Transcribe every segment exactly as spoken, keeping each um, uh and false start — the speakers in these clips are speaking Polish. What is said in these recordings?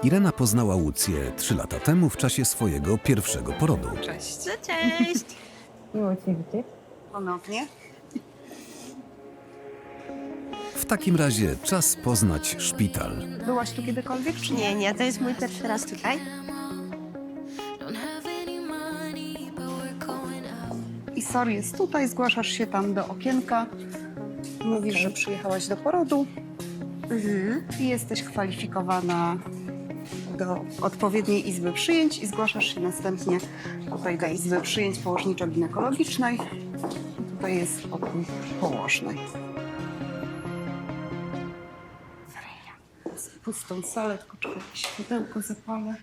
Irena poznała Łucję trzy lata temu w czasie swojego pierwszego porodu. Cześć. No cześć! Miło Cię widzieć. Ponownie. W takim razie czas poznać szpital. Byłaś tu kiedykolwiek, czy nie? Nie, nie, to jest mój pierwszy raz tutaj. I sorry, jest tutaj, zgłaszasz się tam do okienka. Mówisz, że przyjechałaś do porodu Mhm. i jesteś kwalifikowana do odpowiedniej izby przyjęć i zgłaszasz się następnie tutaj do izby przyjęć położniczo-ginekologicznej. Tutaj jest pokój położnej. Z pustą salę, tylko czekaj, jakieś światełko zapalę.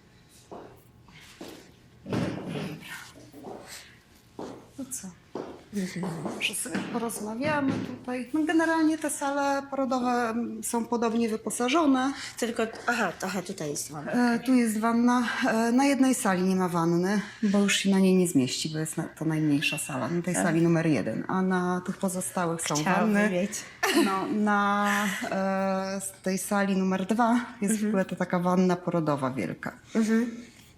To co? Może sobie porozmawiamy tutaj. No generalnie te sale porodowe mm, są podobnie wyposażone. Tylko, aha, trochę tutaj jest wanna. E, tu jest wanna. E, na jednej sali nie ma wanny, bo już się na niej nie zmieści, bo jest na, to najmniejsza sala, na tej sali numer jeden. A na tych pozostałych są Chciałabym wanny. mieć. No, na e, z tej sali numer dwa jest w ogóle to taka wanna porodowa wielka. Mhm.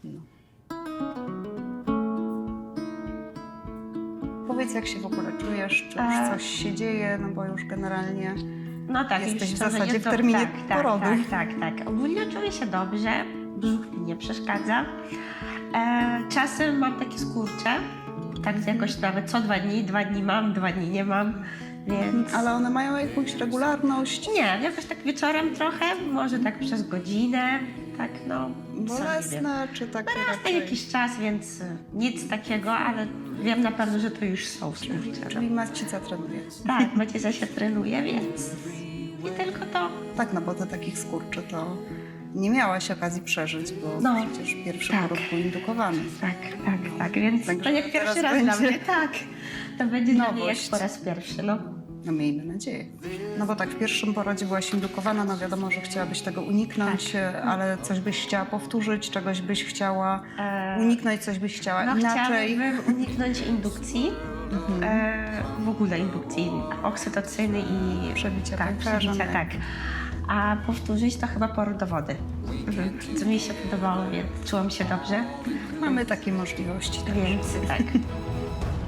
Powiedz, jak się w ogóle czujesz, czy już E. coś się dzieje, no bo już generalnie No tak, Jesteś już w to zasadzie będzie w to- terminie tak, porodu. Tak, tak, tak, tak. Ogólnie czuję się dobrze, brzuch mi nie przeszkadza. E, czasem mam takie skurcze, tak jakoś nawet co dwa dni, dwa dni mam, dwa dni nie mam, więc... Ale one mają jakąś regularność. Nie, jakoś tak wieczorem trochę, może tak przez godzinę, tak no... co nie wiem. Bolesne, czy takie Na raczej? jakiś czas, więc y, nic takiego, ale wiem na pewno, że to już są skurcze. Czyli macica trenuje. Tak, Maciesia się trenuje, więc nie tylko to. Tak, no bo do takich skurczy to nie miałaś okazji przeżyć, bo No, przecież pierwszy tak. poród był indukowany. Tak, tak, tak, więc Także to jak teraz pierwszy raz dla będzie mnie, tak. To będzie dla mnie jak nowość. po raz pierwszy, no. No miejmy nadzieję. No bo tak, w pierwszym porodzie byłaś indukowana, no wiadomo, że chciałabyś tego uniknąć, Tak. e, ale coś byś chciała powtórzyć, czegoś byś chciała E, uniknąć, coś byś chciała No inaczej. chciałabym uniknąć indukcji, e, w ogóle indukcji oksytocyny i Przebicia tak, pęcherza, przebicia, tak. A powtórzyć to chyba poród do wody. Mhm. Co mi się podobało, więc czułam się dobrze, Mamy takie możliwości. więc tak.